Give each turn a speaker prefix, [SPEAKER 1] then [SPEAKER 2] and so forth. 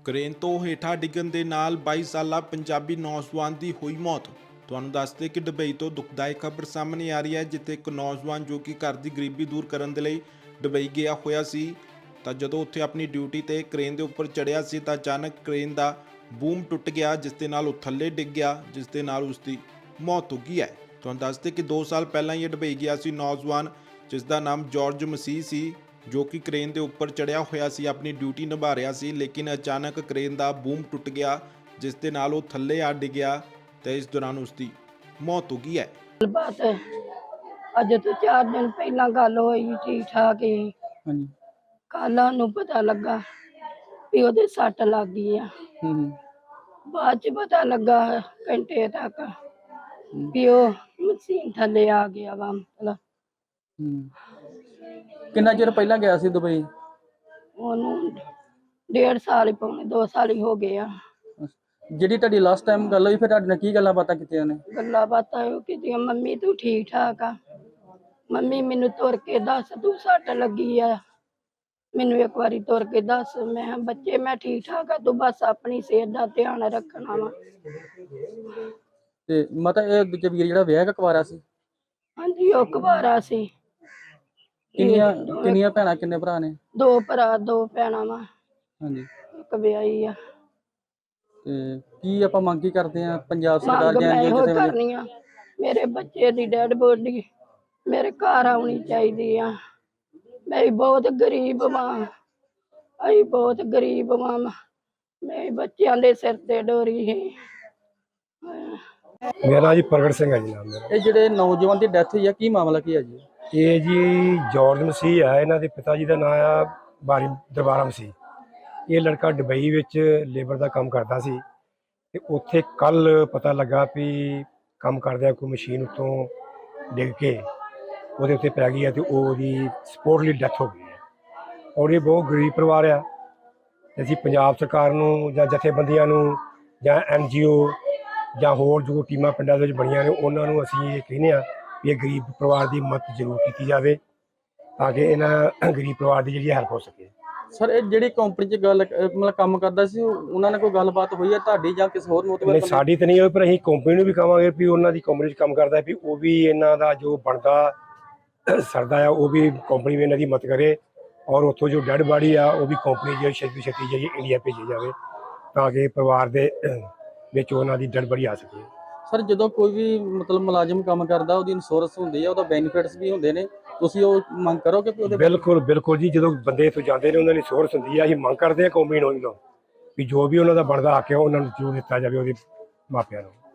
[SPEAKER 1] Crane ਤੋਂ ਹੇਠਾਂ ਡਿੱਗਣ ਦੇ ਨਾਲ 22 ਸਾਲਾ ਪੰਜਾਬੀ ਨੌਜਵਾਨ ਦੀ ਹੋਈ ਮੌਤ। ਤੁਹਾਨੂੰ ਦੱਸਦੇ ਕਿ ਦੁਬਈ ਤੋਂ ਦੁਖਦਾਇਕ ਖਬਰ ਸਾਹਮਣੇ ਆ ਰਹੀ ਹੈ, ਜਿੱਥੇ ਇੱਕ ਨੌਜਵਾਨ ਜੋ ਕਿ ਘਰ ਦੀ ਗਰੀਬੀ ਦੂਰ ਕਰਨ ਦੇ ਲਈ ਦੁਬਈ ਗਿਆ ਹੋਇਆ ਸੀ, ਤਾਂ ਜਦੋਂ ਉੱਥੇ ਆਪਣੀ ਡਿਊਟੀ ਤੇ ਕ੍ਰੇਨ ਦੇ ਉੱਪਰ ਚੜ੍ਹਿਆ ਸੀ ਤਾਂ ਅਚਾਨਕ ਕ੍ਰੇਨ ਦਾ ਬੂਮ ਟੁੱਟ ਗਿਆ, ਜਿਸ ਦੇ ਨਾਲ ਉਹ ਥੱਲੇ ਡਿੱਗ ਗਿਆ, ਜਿਸ ਦੇ ਨਾਲ ਉਸ ਦੀ ਮੌਤ ਹੋ ਗਈ ਹੈ। ਤੁਹਾਨੂੰ ਦੱਸਦੇ ਕਿ 2 ਸਾਲ ਪਹਿਲਾਂ ਹੀ ਦੁਬਈ ਗਿਆ ਸੀ ਨੌਜਵਾਨ, ਜਿਸ ਦਾ ਨਾਮ ਜਾਰਜ ਮਸੀਹ ਸੀ, ਜੋ ਕਿ ਕ੍ਰੇਨ ਦੇ ਉੱਪਰ ਚੜਿਆ ਹੋਇਆ ਸੀ, ਆਪਣੀ ਡਿਊਟੀ ਨਿਭਾ ਰਿਹਾ ਸੀ, ਲੇਕਿਨ ਅਚਾਨਕ ਕ੍ਰੇਨ ਦਾ ਬੂਮ ਟੁੱਟ ਗਿਆ, ਜਿਸ ਦੇ ਨਾਲ ਉਹ ਥੱਲੇ ਆ ਡਿੱਗਿਆ ਤੇ ਇਸ ਦੌਰਾਨ ਉਸ ਦੀ ਮੌਤ ਹੋ ਗਈ ਹੈ।
[SPEAKER 2] ਬਾਤ ਅੱਜ ਤੋਂ 4 ਦਿਨ ਪਹਿਲਾਂ ਗੱਲ ਹੋਈ, ਠੀਕ ਠਾਕ ਹੀ।
[SPEAKER 3] ਹਾਂਜੀ।
[SPEAKER 2] ਕੱਲ ਨੂੰ ਪਤਾ ਲੱਗਾ ਵੀ ਉਹਦੇ ਸੱਟ ਲੱਗ ਗਈ ਆ। ਬਾਅਦ ਚ ਪਤਾ ਲੱਗਾ ਘੰਟੇ ਤੱਕ ਵੀ ਉਹ ਮਸ਼ੀਨ ਥੱਲੇ ਆ ਗਿਆ ਵਾ। ਮਤਲਬ
[SPEAKER 3] ਕਿੰਨਾ ਚਿਰ ਪਹਿਲਾਂ ਗਿਆ ਸੀ ਦੁਬਈ?
[SPEAKER 2] ਉਹਨੂੰ 1.5 ਸਾਲ ਹੀ, ਪੌਣੇ 2 ਸਾਲ ਹੀ ਹੋ ਗਏ ਆ।
[SPEAKER 3] ਜਿਹੜੀ ਤੁਹਾਡੀ ਲਾਸਟ ਟਾਈਮ ਗੱਲ ਹੋਈ, ਫਿਰ ਤੁਹਾਡੇ ਨਾਲ ਕੀ ਗੱਲਾਂ ਬਾਤਾਂ ਕੀਤੀਆਂ ਨੇ?
[SPEAKER 2] ਗੱਲਾਂ ਬਾਤਾਂ ਉਹ ਕੀਤੀਆਂ, ਮੰਮੀ ਤੂੰ ਠੀਕ ਠਾਕ ਆ? ਮੰਮੀ ਮੈਨੂੰ ਤੁਰ ਕੇ ਦੱਸ, ਤੂੰ ਸੱਟ ਲੱਗੀ ਆ, ਮੈਨੂੰ ਇੱਕ ਵਾਰੀ ਤੁਰ ਕੇ ਦੱਸ। ਮੈਂ ਕਿਹਾ ਬੱਚੇ ਮੈਂ ਠੀਕ ਠਾਕ ਆ, ਤੂੰ ਬਸ ਆਪਣੀ ਸਿਹਤ ਦਾ ਧਿਆਨ ਰੱਖਣਾ ਵਾ।
[SPEAKER 3] ਤੇ ਮਤਲਬ ਇਹ ਦੂਜੇ ਵੀਰ ਜਿਹੜਾ ਵਿਆਹ ਕਕਵਾਰਾ ਸੀ?
[SPEAKER 2] ਹਾਂਜੀ, ਉਹ ਕੁਵਾਰਾ ਸੀ।
[SPEAKER 3] ਕਿੰਨੀਆਂ ਭੈਣਾਂ ਕਿੰਨੇ ਭਰਾ ਨੇ?
[SPEAKER 2] 2 ਭਰਾ 2 ਭੈਣਾਂ ਵਾ,
[SPEAKER 3] ਹਾਂਜੀ।
[SPEAKER 2] ਇੱਕ ਵਿਆਹੀ ਆ।
[SPEAKER 3] ਤੇ ਕੀ ਆਪਾਂ ਮੰਗ ਕੀ ਕਰਦੇ ਆ ਪੰਜਾਬ ਸਰਕਾਰ
[SPEAKER 2] ਮੰਗ
[SPEAKER 3] ਜਾਂ
[SPEAKER 2] ਮੈਂ ਇਹੋ
[SPEAKER 3] ਕਿਸੇ
[SPEAKER 2] ਕਰਨੀ ਆ, ਮੇਰੇ ਬੱਚੇ ਦੀ ਡੈਡ ਬੋਡੀ ਮੇਰੇ ਘਰ ਆਉਣੀ ਚਾਹੀਦੀ ਆ। ਮੈਂ ਬਹੁਤ ਗਰੀਬ ਵਾਂ, ਅਸੀਂ ਬਹੁਤ ਗਰੀਬ ਵਾਂ। ਮੈਂ ਬੱਚਿਆਂ ਦੇ ਸਿਰ ਤੇ ਡੋਰੀ ਹੈ।
[SPEAKER 4] ਮੇਰਾ ਜੀ ਪ੍ਰਗਟ ਸਿੰਘ ਹੈ ਜੀ ਨਾਮ ਮੇਰਾ।
[SPEAKER 3] ਇਹ ਜਿਹੜੇ ਨੌਜਵਾਨ ਦੀ ਡੈਥ ਹੋਈ ਆ, ਕੀ ਮਾਮਲਾ ਕੀ ਹੈ ਜੀ?
[SPEAKER 4] ਇਹ ਜੀ ਜਾਰਜ ਮਸੀਹ ਹੈ, ਇਹਨਾਂ ਦੇ ਪਿਤਾ ਜੀ ਦਾ ਨਾਮ ਆ ਬਾਰੀ ਦਰਬਾਰਾ ਮਸੀਹ। ਇਹ ਲੜਕਾ ਦੁਬਈ ਵਿੱਚ ਲੇਬਰ ਦਾ ਕੰਮ ਕਰਦਾ ਸੀ ਤੇ ਉੱਥੇ ਕੱਲ ਪਤਾ ਲੱਗਾ ਵੀ ਕੰਮ ਕਰਦਿਆਂ ਕੋਈ ਮਸ਼ੀਨ ਉੱਤੋਂ ਡਿੱਗ ਕੇ ਉਹਦੇ ਉੱਤੇ ਪੈ ਗਈ ਹੈ ਤੇ ਉਹਦੀ ਸਪੋਰਟਲੀ ਡੈਥ ਹੋ ਗਈ ਹੈ। ਔਰ ਇਹ ਬਹੁਤ ਗਰੀਬ ਪਰਿਵਾਰ ਆ। ਅਸੀਂ ਪੰਜਾਬ ਸਰਕਾਰ ਨੂੰ ਜਾਂ ਜਥੇਬੰਦੀਆਂ ਨੂੰ ਜਾਂ NGO ਜਾਂ ਹੋਰ ਜੋ ਟੀਮਾਂ ਪਿੰਡਾਂ ਦੇ ਵਿੱਚ ਬਣੀਆਂ ਨੇ, ਉਹਨਾਂ ਨੂੰ ਅਸੀਂ ਇਹ ਕਹਿੰਦੇ ਹਾਂ ਵੀ ਇਹ ਗਰੀਬ ਪਰਿਵਾਰ ਦੀ ਮਦਦ ਜ਼ਰੂਰ ਕੀਤੀ ਜਾਵੇ, ਤਾਂ ਕਿ ਇਹਨਾਂ ਗਰੀਬ ਪਰਿਵਾਰ ਦੀ ਜਿਹੜੀ ਹੈਲਪ ਹੋ ਸਕੇ।
[SPEAKER 3] ਸਰ, ਇਹ ਜਿਹੜੀ ਕੰਪਨੀ 'ਚ ਗੱਲ ਮਤਲਬ ਕੰਮ ਕਰਦਾ ਸੀ, ਉਹਨਾਂ ਨਾਲ ਕੋਈ ਗੱਲਬਾਤ ਹੋਈ ਹੈ ਤੁਹਾਡੀ ਜਾਂ ਕਿਸੇ ਹੋਰ
[SPEAKER 4] ਨਹੀਂ, ਸਾਡੀ ਤਾਂ ਨਹੀਂ ਹੋਈ, ਪਰ ਅਸੀਂ ਕੰਪਨੀ ਨੂੰ ਵੀ ਕਹਾਂਗੇ ਵੀ ਉਹਨਾਂ ਦੀ ਕੰਪਨੀ 'ਚ ਕੰਮ ਕਰਦਾ ਵੀ ਉਹ ਵੀ ਇਹਨਾਂ ਦਾ ਜੋ ਬਣਦਾ ਸਰਦਾ ਆ ਉਹ ਵੀ ਕੰਪਨੀ ਵੀ ਇਹਨਾਂ ਦੀ ਮਦਦ ਕਰੇ, ਔਰ ਉੱਥੋਂ ਜੋ ਡੈਡ ਬਾਡੀ ਆ ਉਹ ਵੀ ਕੰਪਨੀ ਜਿਹੜੀ ਛੇਤੀ ਜਿਹੜੀ ਇੰਡੀਆ ਭੇਜੀ ਜਾਵੇ, ਤਾਂ ਕਿ ਪਰਿਵਾਰ ਦੇ ਵਿੱਚ ਉਹਨਾਂ ਦੀ ਡੈਡ ਬਾਡੀ ਆ ਸਕੇ।
[SPEAKER 3] ਸਰ, ਜਦੋਂ ਕੋਈ ਵੀ ਮਤਲਬ ਮੁਲਾਜ਼ਮ ਕੰਮ ਕਰਦਾ, ਉਹਦੀ ਇੰਸ਼ੋਰੈਂਸ ਹੁੰਦੀ ਹੈ, ਉਹਦਾ ਬੈਨੀਫਿਟਸ ਵੀ ਹੁੰਦੇ ਨੇ, ਤੁਸੀਂ ਉਹ ਮੰਗ ਕਰੋਗੇ ਕਿ ਉਹਦੇ?
[SPEAKER 4] ਬਿਲਕੁਲ ਬਿਲਕੁਲ ਜੀ, ਜਦੋਂ ਬੰਦੇ ਇੱਥੋਂ ਜਾਂਦੇ ਨੇ ਉਹਨਾਂ ਦੀ ਇੰਸ਼ੋਰੈਂਸ ਹੁੰਦੀ ਆ। ਅਸੀਂ ਮੰਗ ਕਰਦੇ ਹਾਂ ਕੰਪਨੀ ਨੂੰ ਵੀ ਜੋ ਵੀ ਉਹਨਾਂ ਦਾ ਬਣਦਾ ਹੱਕ ਹੈ ਉਹਨਾਂ ਨੂੰ ਜ਼ਰੂਰ ਦਿੱਤਾ ਜਾਵੇ ਉਹਦੇ ਮਾਪਿਆਂ ਨੂੰ।